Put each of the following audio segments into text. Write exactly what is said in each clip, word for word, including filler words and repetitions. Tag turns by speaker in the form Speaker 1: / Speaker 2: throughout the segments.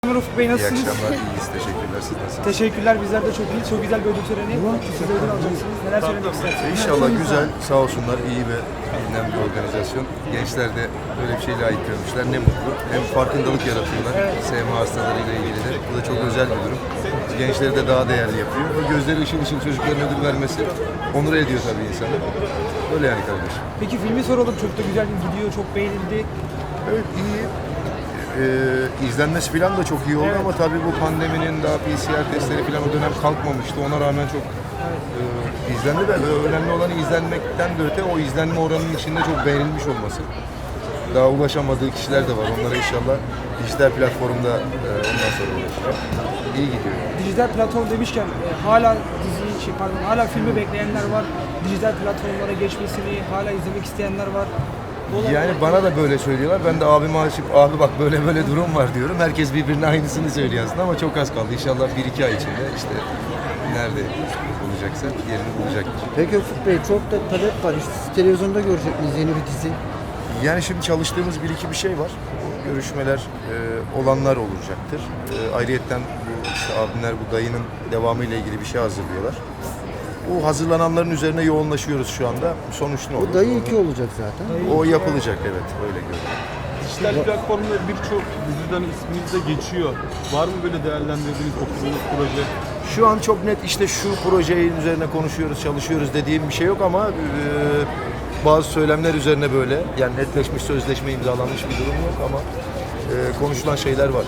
Speaker 1: Ufuk Bey
Speaker 2: İyi
Speaker 3: nasılsınız?
Speaker 2: akşamlar, iyiyiz. Teşekkürler. Siz nasılsınız?
Speaker 3: Teşekkürler, bizler de çok iyi. Çok güzel bir ödül töreni. Siz de ödül alacaksınız. Neler söylemek istersiniz?
Speaker 2: İnşallah güzel, sağ olsunlar, iyi ve bilinen bir organizasyon. Gençler de böyle bir şeyle layık görmüşler. Ne mutlu. Hem farkındalık yaratıyorlar. S M A hastalarıyla ilgili de. Bu da çok özel bir durum. Gençleri de daha değerli yapıyor. O gözleri ışıl ışıl çocukların ödül vermesi onur ediyor tabii insanı. Öyle yani kardeşim.
Speaker 3: Peki filmi soralım. Çok da güzel gidiyor, çok beğenildi.
Speaker 2: Evet, iyi. Ee, izlenmesi falan da çok iyi oldu, evet. Ama tabii bu pandeminin daha P C R testleri falan o dönem kalkmamıştı. Ona rağmen çok e, izlendi de önemli olan izlenmekten de öte o izlenme oranının içinde çok beğenilmiş olması. Daha ulaşamadığı kişiler de var. Onlara inşallah dijital platformda e, ondan sonra ulaşacak. İyi gidiyor.
Speaker 3: Dijital platform demişken e, hala diziyi, şey, pardon, hala filmi bekleyenler var. Dijital platformlara geçmesini hala izlemek isteyenler var.
Speaker 2: Yani bana da böyle söylüyorlar. Ben de abime açıp abi bak böyle böyle durum var diyorum. Herkes birbirine aynısını söylüyor aslında ama çok az kaldı. İnşallah bir iki ay içinde işte nerede bulacaksa yerini bulacaktır.
Speaker 4: Peki Ufuk Bey, çok da talep var. İşte televizyonda görecek miyiz yeni bir dizi?
Speaker 2: Yani şimdi çalıştığımız bir iki bir şey var. O görüşmeler e, olanlar olacaktır. E, ayrıyetten bu işte abimler bu dayının devamıyla ilgili bir şey hazırlıyorlar. Bu hazırlananların üzerine yoğunlaşıyoruz şu anda. Sonuç ne olur?
Speaker 4: O dayı iki olacak zaten.
Speaker 2: O yapılacak, evet, öyle görünüyor.
Speaker 5: Dijital platformda birçok diziden isminiz de geçiyor. Var mı böyle değerlendirdiğiniz, okuduğunuz proje?
Speaker 2: Şu an çok net işte şu projenin üzerine konuşuyoruz, çalışıyoruz dediğim bir şey yok ama e, bazı söylemler üzerine böyle yani netleşmiş, sözleşme imzalanmış bir durum yok ama e, konuşulan şeyler var.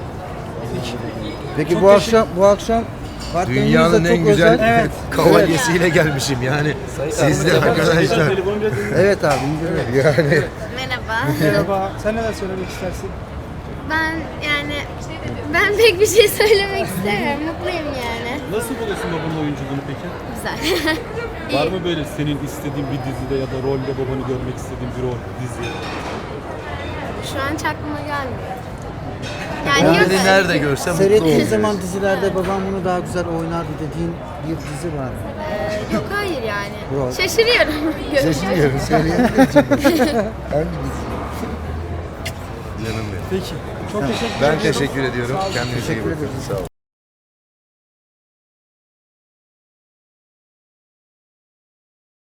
Speaker 4: Peki
Speaker 3: Çok
Speaker 4: bu
Speaker 3: teşekkür-
Speaker 4: akşam bu akşam partneriniz de
Speaker 2: Dünyanın
Speaker 4: çok
Speaker 2: en güzel
Speaker 4: özel.
Speaker 3: Evet.
Speaker 2: kavalyesiyle gelmişim yani. Siz de arkadaşlar.
Speaker 5: Telefonu biraz
Speaker 4: Evet abi, indiriyorum.
Speaker 2: Yani
Speaker 6: Merhaba.
Speaker 3: Merhaba. Sen neler söylemek istersin?
Speaker 6: Ben yani ben pek bir şey söylemek istemiyorum. Mutluyum yani.
Speaker 5: Nasıl buluyorsun babanın oyunculuğunu peki?
Speaker 6: Güzel.
Speaker 5: Var mı böyle senin istediğin bir dizide ya da rolde babanı görmek istediğin bir rol, dizi?
Speaker 6: Şu an hiç aklıma gelmiyor. Yani
Speaker 2: ben
Speaker 6: yok
Speaker 2: beni
Speaker 6: öyle
Speaker 2: nerede
Speaker 6: bir-
Speaker 2: görsem mutlu
Speaker 4: Seyrettiğin
Speaker 2: oluyorum.
Speaker 4: zaman dizilerde babam bunu daha güzel oynardı dediğin bir dizi var mı?
Speaker 6: Ee, yok hayır yani.
Speaker 4: Rol.
Speaker 6: Şaşırıyorum.
Speaker 2: Şaşırıyorum, söyleyebilirim. Hangi dizi? Canım benim.
Speaker 3: Peki. Çok teşekkür
Speaker 2: Ben
Speaker 3: ediyorum.
Speaker 2: teşekkür ediyorum.
Speaker 3: Sağ olun.
Speaker 2: Kendinize iyi
Speaker 4: Teşekkür
Speaker 2: bakın.
Speaker 4: ederim.
Speaker 2: Sağ olun.